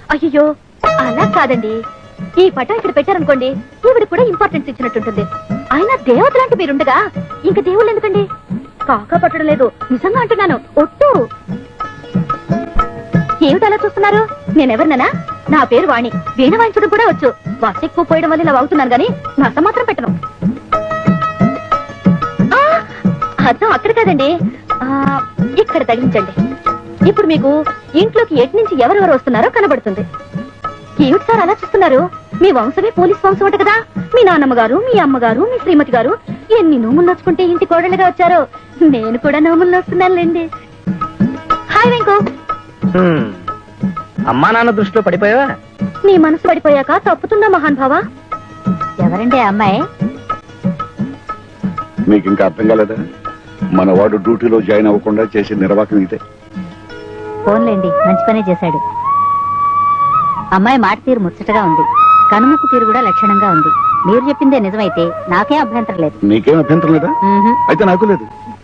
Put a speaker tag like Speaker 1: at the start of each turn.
Speaker 1: అయ్యో అలా కాదండి, ఈ పటం ఇక్కడ పెట్టారనుకోండి ఈవిడ కూడా ఇంపార్టెన్స్ ఇచ్చినట్టుంటుంది. అయినా దేవత లాంటి మీరుండగా ఇంక దేవుళ్ళు ఎందుకండి? కాకా పట్టడం లేదు, నిజంగా అంటున్నాను, ఒట్టు. ఏమిటి అలా చూస్తున్నారు? నేనెవరిననా? నా పేరు వాణి, వీణ వాయించడం కూడా వచ్చు. వాస ఎక్కువ పోయడం వల్ల ఇలా వాగుతున్నాను గానీ నస మాత్రం పెట్టను. అర్థం అక్కడ కాదండి, ఇక్కడ తగిలించండి. ఇప్పుడు మీకు ఇంట్లోకి ఎటు నుంచి ఎవరెవరు వస్తున్నారో కనబడుతుంది. ఏమిటి సార్ అలా చూస్తున్నారు? మీ వంశమే పోలీస్ వంశం అంట కదా. మీ నాన్నమ్మ గారు, మీ అమ్మగారు, మీ శ్రీమతి గారు ఎన్ని నోములు నోచుకుంటే ఇంటి కోడలుగా వచ్చారో. నేను కూడా నోములు నోస్తున్నానులేండి. హాయ్ వెంకు.
Speaker 2: అమ్మా నాన్న దృష్టిలో పడిపోయావా?
Speaker 1: నీ మనసు పడిపోయాక తప్పుతుందా మహాన్ భావా? ఎవరండి అమ్మాయి?
Speaker 3: మీకు ఇంకా అర్థం కాలేదా? మన వాడు డ్యూటీలో జాయిన్ అవ్వకుండా చేసే నిర్వాహకం ఇదే.
Speaker 1: ఫోన్లేండి, మంచి పనే చేశాడు. అమ్మాయి మాట తీరు ముచ్చటగా ఉంది, కనుముక్కు తీరు కూడా లక్షణంగా ఉంది. మీరు చెప్పిందే నిజమైతే నాకేం అభ్యంతరం లేదు.
Speaker 3: నీకేం అభ్యంతరం లేదా? అయితే నాకు లేదు.